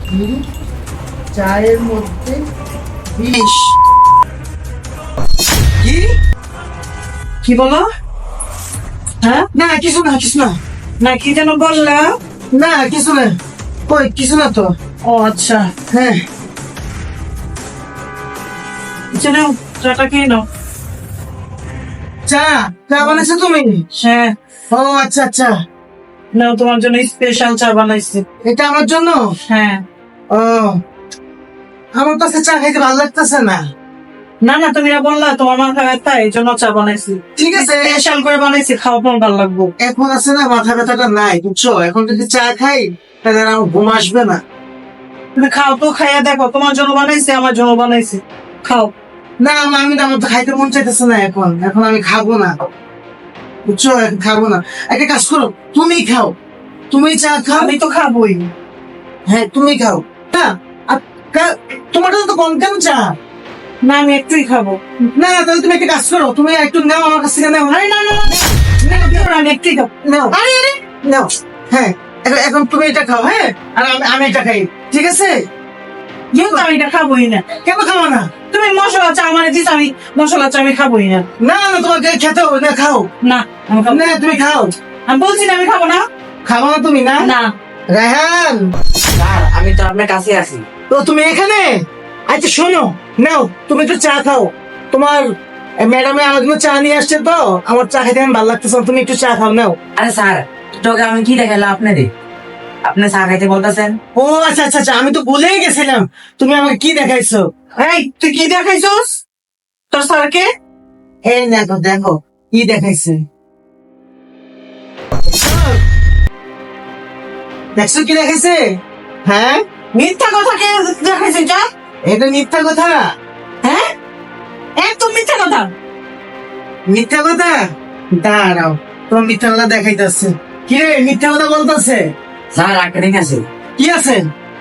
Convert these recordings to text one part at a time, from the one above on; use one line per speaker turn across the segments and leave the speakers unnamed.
হুম, চায়ের মধ্যে বিষ।
কি কি বলো? হ্যাঁ,
না কিছু না, কিছু না।
না কি যেন বললা?
না কিছু না, কই কিছু না তো।
ও আচ্ছা,
হ্যাঁ,
চলো চাটা খেয়ে নাও।
চা চা বানাইছো তুমি?
হ্যাঁ,
ও আচ্ছা আচ্ছা,
নাও তোমার জন্য স্পেশাল চা বানাইছি।
এটা আমার জন্য।
হ্যাঁ,
ও, আমার কাছে চা খাইতে ভালো লাগতেছে না।
না না তুমি না বললা তোমার মাথা ব্যথা, এই জন্য চা বানাইছি।
ঠিক আছে,
স্পেশাল করে বানাইছি, খাওয়া তোমার ভালো লাগবো।
এখন আছে না মাথা ব্যথাটা নাই, বুঝছো? এখন যদি চা খাই তাহলে আর আমার ঘুম আসবে না।
তুমি খাও তো, খাইয়া দেখো, তোমার জন্য বানাইছি, আমার জন্য বানাইছি, খাও।
না আমি তো, আমার তো খাইতে মন চাইতেছে না এখন, এখন আমি খাবো না, বুঝছো? এখন খাবো না। একটা কাজ করো, তুমি খাও, তুমি চা খাও।
আমি তো খাবোই।
হ্যাঁ তুমি খাও। না, আর তোমারটা তো কম কেন চা?
না আমি একটুই খাবো।
না তাহলে তুমি একটা কাজ করো, তুমি একটু নাও আমার কাছ থেকে, নাও।
আরে না না না, আমি একটুই খাবো।
নাও, নাও। হ্যাঁ, এখন তুমি এটা খাও, হ্যাঁ, আর আমি এটা খাই, ঠিক আছে?
কিন্তু আমি এটা খাবোই না।
কেন খাবো না?
তুমি মশলা চা মানে দিস, আমি মশলা চা আমি খাবোই না।
না না, তোমাকে খেতে হবে না, খাও।
না আমি খাবো না।
না তুমি খাও।
আমি বলছি না আমি খাবো না।
খাবো না তুমি? না
না
রায়হান,
স্যার আমি তো আপনার কাছে আছি।
তো তুমি এখানে? আচ্ছা শোনো, নাও তুমি একটু চা খাও। তোমার ম্যাডামে আমার জন্য চা নিয়ে আসছে, তো আমার চা খেতে আমি ভালো লাগতেছে না, তুমি একটু চা খাও, নাও।
আরে স্যার, তোকে আমি কি দেখালাম আপনারে? আপনি চা খাইতে বলতেছেন?
ও আচ্ছা আচ্ছা আচ্ছা, আমি তো ভুলেই গেছিলাম, তুমি আমাকে কি দেখাইছো?
এই তুই কি দেখাইছস তোর স্যারকে?
এই দেখো দেখো কি দেখাইছে, দেখছো কি দেখাইছে? হ্যাঁ,
মিথ্যা কথা কে দেখাইছিস যা?
এটা মিথ্যা কথা।
হ্যাঁ, একদম মিথ্যা কথা।
মিথ্যা কথা? দাঁড়াও, তোমার মিথ্যা কথা দেখাইতেছে। কি রে, মিথ্যা কথা বলতেছে?
স্যার একটা ঠিক আছে।
কি আছে?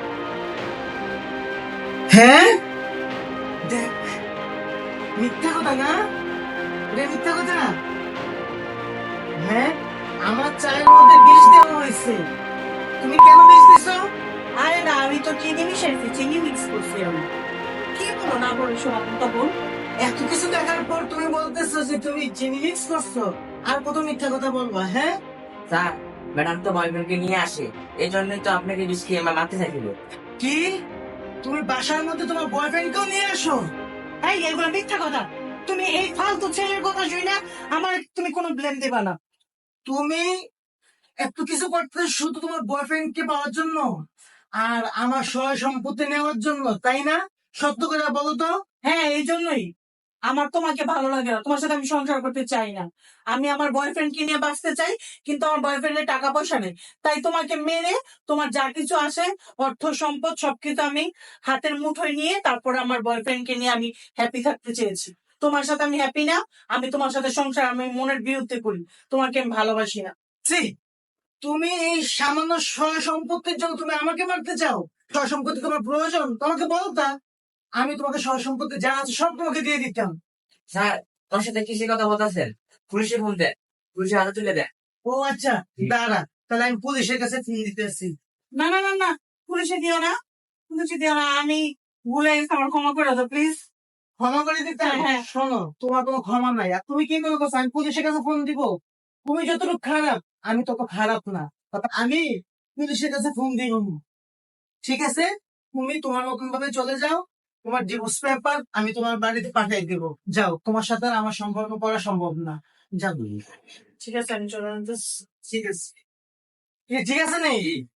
হ্যাঁ, দেখ, মিথ্যা কথা না, এটা মিথ্যা কথা। হ্যাঁ, আমার চায়ের মধ্যে বিষ দেওয়া হয়েছে, তুমি কেন বিষ দিছো?
আরে না, আমি তো চিনি মিশাইছি, চিনি মিক্স করছি আমি। কি বলো না বলো শোনা তখন?
এত কিছু দেখার পর তুমি বলতেছো যে তুমি চিনি মিক্স করছো? আর কত মিথ্যা কথা বলবা? হ্যাঁ,
স্যার, ম্যাডাম তো বয়ফ্রেন্ডকে নিয়ে আসে, এই জন্যই তো আপনাকে বিষ খেয়ে মারতে চাইছিল।
কি তুমি বাসার মধ্যে তোমার বয়ফ্রেন্ডকেও নিয়ে আসো?
এই এগুলো মিথ্যা কথা। তুমি এই ফালতু ছেলের কথা শুই না আমার তুমি কোনো ব্লেম দেবা না।
তুমি এত কিছু করতে শুধু তোমার বয়ফ্রেন্ড কে পাওয়ার জন্য আর আমার সয় সম্পত্তি নেওয়ার জন্য, তাই না? সত্য করে বলো তো।
হ্যাঁ এই জন্যই আমার তোমাকে ভালো লাগে না, তোমার সাথে আমি সংসার করতে চাই না। আমি আমার বয়ফ্রেন্ডকে নিয়ে বাঁচতে চাই, কিন্তু আমার বয়ফ্রেন্ডের টাকা পয়সা নেই। তাই তোমাকে মেরে তোমার যা কিছু আসে, অর্থ সম্পদ সবকিছু আমি হাতের মুঠোয় নিয়ে তারপর আমার বয়ফ্রেন্ডকে নিয়ে আমি হ্যাপি থাকতে চেয়েছি। তোমার সাথে আমি হ্যাপি না। আমি তোমার সাথে সংসার আমি মনের বিরুদ্ধে করি। তোমাকে আমি ভালোবাসি না।
ছি, তুমি এই সামান্য সয় সম্পত্তির জন্য তুমি আমাকে মারতে চাও? সয় সম্পত্তি তোমার প্রয়োজন, তোমাকে বলতা, আমি তোমাকে সয় সম্পত্তি যা আছে সব তোমাকে দিয়ে দিতাম।
স্যার, তোর সাথে কিসের কথা বলতেছেন? পুলিশে ফোন দেন, পুলিশের হাতে তুলে দেন।
ও আচ্ছা, দাঁড়া, তাহলে আমি পুলিশের কাছে ফোন দিতেছি।
না না না না, পুলিশে দিও না, পুলিশে দিও না। আমি ভুলে গেছি, আমার ক্ষমা করে দাও প্লিজ।
ক্ষমা করে দিতে?
হ্যাঁ, হ্যাঁ।
শোনো, তোমার কোনো ক্ষমা নাই, আর তুমি কি মনে করছো আমি পুলিশের কাছে ফোন দিব? তুমি যতটুকু খারাপ আমি তত খারাপ না, তবে আমি পুলিশের কাছে ফোন দিব না। ঠিক আছে, তুমি তোমার মতন ভাবে চলে যাও, তোমার ডিভোর্স পেপার আমি তোমার বাড়িতে পাঠিয়ে দেব। যাও, তোমার সাথে আর আমার সম্পর্ক করা সম্ভব না, যাও।
ঠিক আছে আমি চলে যেতেছি।
ঠিক আছে, ঠিক আছে নেই?